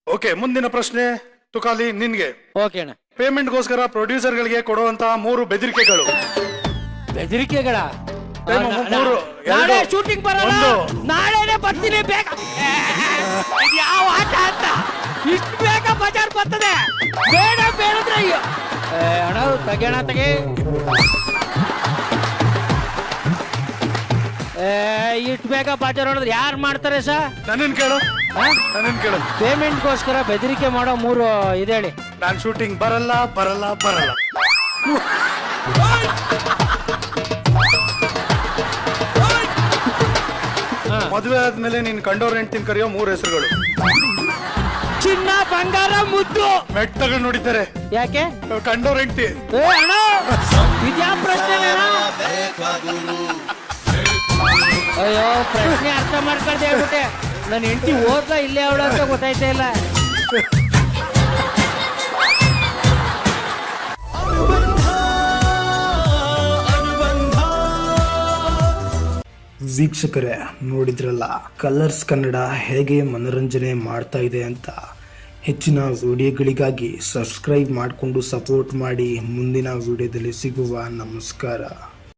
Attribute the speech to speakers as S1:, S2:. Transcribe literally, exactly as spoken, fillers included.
S1: Okay, ಮುಂದಿನ ಪ್ರಶ್ನೆ ತುಕಾಲಿ ನಿನ್ಗೆ.
S2: ಓಕೆ ಅಣ್ಣ.
S1: ಪೇಮೆಂಟ್ ಗೋಸ್ಕರ ಪ್ರೊಡ್ಯೂಸರ್ ಗಳಿಗೆ ಕೊಡುವಂತಹ ಮೂರು ಬೆದರಿಕೆಗಳು.
S2: ಬೆದರಿಕೆಗಳ?
S1: ಮೂರು.
S2: ನಾಳೆ ಶೂಟಿಂಗ್ ಬರಲ್ಲ, ನಾಳೆನೆ ಬರ್ತೀನಿ ಬೇಗ. ಇದು ಯಾವ ಆಟ ಅಂತ ಇಷ್ಟು ಬೇಗ ಬಜಾರ್ ಬರ್ತದೆ? ಬೇಡ ಬೇಡದ್ರೆ ಅಯ್ಯೋ ಅಣ್ಣ ತೆಗೆಣ ತೆಗೆ. ಇಷ್ಟು ಬೇಗ ಬಜಾರ್ ಹೊಡೆದ್ರೆ ಯಾರು ಮಾಡ್ತಾರೆ ಸರ್?
S1: ನನ್ನನ್ ಕೇಳು, ನನ್ನನ್ ಕೇಳು.
S2: ಪೇಮೆಂಟ್ ಗೋಸ್ಕರ ಬೆದರಿಕೆ ಮಾಡೋ ಮೂರು ಇದೇಳಿ.
S1: ನಾನ್ ಶೂಟಿಂಗ್ ಬರಲ್ಲ ಬರಲ್ಲ ಬರಲ್ಲ. ಮದುವೆ ಆದ್ಮೇಲೆ ನೀನ್ ಕಂಡೋರ್ ಹೆಂಡ್ತಿನ ಕರೆಯೋ ಮೂರು ಹೆಸರುಗಳು.
S2: ಚಿನ್ನ, ಬಂಗಾರ, ಮುದ್ದು.
S1: ಮೆಟ್ಟಗಳು ನೋಡಿದ್ದಾರೆ.
S2: ಯಾಕೆ?
S1: ಕಂಡೋರ್ ಹೆಂಡ್ತಿ.
S2: ಅಣ್ಣ ಇದ್ಯಾ ಪ್ರಶ್ನೆ? ಅಯ್ಯೋ ಪ್ರಶ್ನೆ ಅರ್ಥ ಮಾಡ್ಕೊಳ್ದೆ ಹೇಳ್ಬಿಟ್ಟೆ. ನನ್ನ ಹೆಂಡತಿ ಓದ್ಲಾ ಇಲ್ಲೇ ಅವಳ ಅಂತ ಗೊತ್ತಾಯ್ತಾ ಇಲ್ಲ.
S3: ವೀಕ್ಷಕರೇ, ನೋಡಿದ್ರಲ್ಲ ಕಲರ್ಸ್ ಕನ್ನಡ ಹೇಗೆ ಮನೋರಂಜನೆ ಮಾಡ್ತಾ ಇದೆ ಅಂತ. ಹೆಚ್ಚಿನ ವಿಡಿಯೋಗಳಿಗಾಗಿ ಸಬ್ಸ್ಕ್ರೈಬ್ ಮಾಡಿಕೊಂಡು ಸಪೋರ್ಟ್ ಮಾಡಿ. ಮುಂದಿನ ವಿಡಿಯೋದಲ್ಲಿ ಸಿಗುವ. ನಮಸ್ಕಾರ.